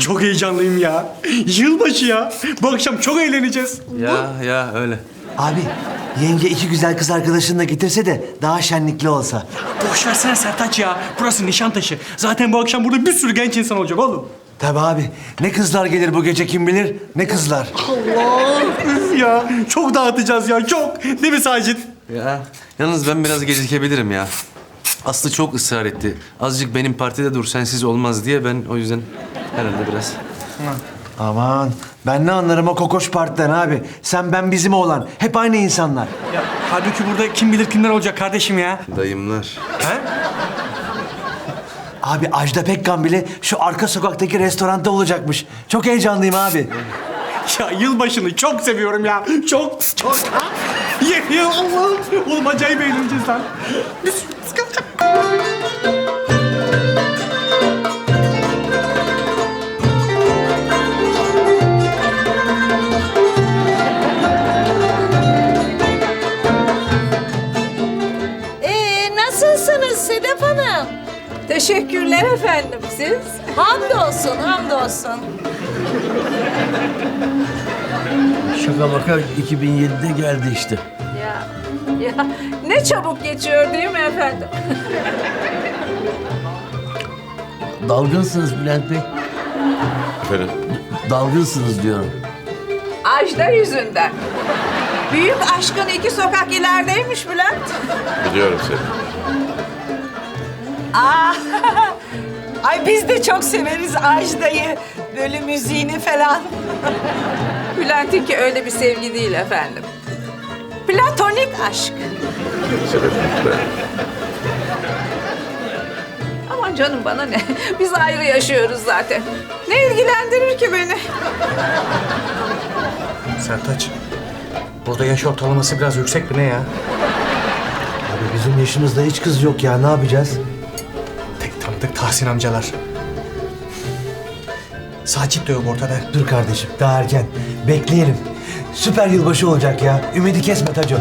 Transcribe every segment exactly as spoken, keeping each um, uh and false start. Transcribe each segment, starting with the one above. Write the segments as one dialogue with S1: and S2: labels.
S1: Çok heyecanlıyım ya. Yılbaşı ya. Bu akşam çok eğleneceğiz.
S2: Ya ya öyle.
S3: Abi yenge iki güzel kız arkadaşını da getirse de daha şenlikli olsa.
S1: Boş versene Sertaç ya. Burası Nişantaşı. Zaten bu akşam burada bir sürü genç insan olacak oğlum.
S3: Tabii abi. Ne kızlar gelir bu gece kim bilir? Ne kızlar?
S1: Allah üf ya. Çok dağıtacağız ya çok. Değil mi Sacit?
S2: Ya yalnız ben biraz gecikebilirim ya. Aslı çok ısrar etti. Azıcık benim partide dur sensiz olmaz diye ben o yüzden herhalde biraz.
S3: Aman ben ne anlarım o kokoş partiden abi. Sen ben bizim oğlan. Hep aynı insanlar.
S1: Ya halbuki burada kim bilir kimler olacak kardeşim ya.
S2: Dayımlar.
S1: He?
S3: Abi Ajda Pekkan bile şu arka sokaktaki restoranda olacakmış. Çok heyecanlıyım abi.
S1: Ya yılbaşını çok seviyorum ya. Çok çok. Ye ya Allah. Oğlum acayip eğleneceğiz lan. Biz sıkılacak.
S4: Ee, nasılsınız Sedef Hanım?
S5: Teşekkürler efendim, siz?
S4: Hamdolsun, hamdolsun.
S6: Şaka maka iki bin yedide geldi işte.
S5: Ya, ya ne çabuk geçiyor değil mi efendim?
S6: Dalgınsınız Bülent Bey.
S2: Efendim?
S6: Dalgınsınız diyorum.
S5: Ajda yüzünden. Büyük aşkın iki sokak ilerideymiş Bülent.
S7: Biliyorum seni.
S4: Aa, ay biz de çok severiz Ajda'yı. Böyle müziğini falan.
S5: Bülent'inki öyle bir sevgi değil efendim. Platonik aşk.
S7: Sebep lütfen.
S5: Aman canım bana ne? Biz ayrı yaşıyoruz zaten. Ne ilgilendirir ki beni?
S1: Sertaç. Burada yaş ortalaması biraz yüksek mi ne ya?
S3: Abi bizim yaşımızda hiç kız yok ya. Ne yapacağız?
S1: Tek tanıdık Tahsin amcalar. Sacit de yok ortada.
S3: Dur kardeşim daha erken. Bekleyelim. Süper yılbaşı olacak ya. Ümidi kesme Taco.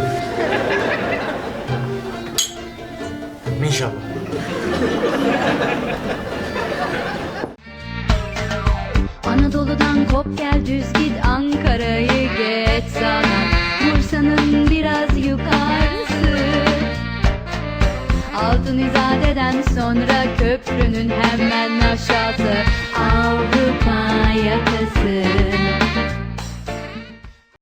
S1: İnşallah.
S8: Anadolu'dan kop gel düz git Ankara'yı geç sana Bursa'nın biraz yukarısı Altın İzade'den sonra köprünün hemen aşağısı Avrupa yakası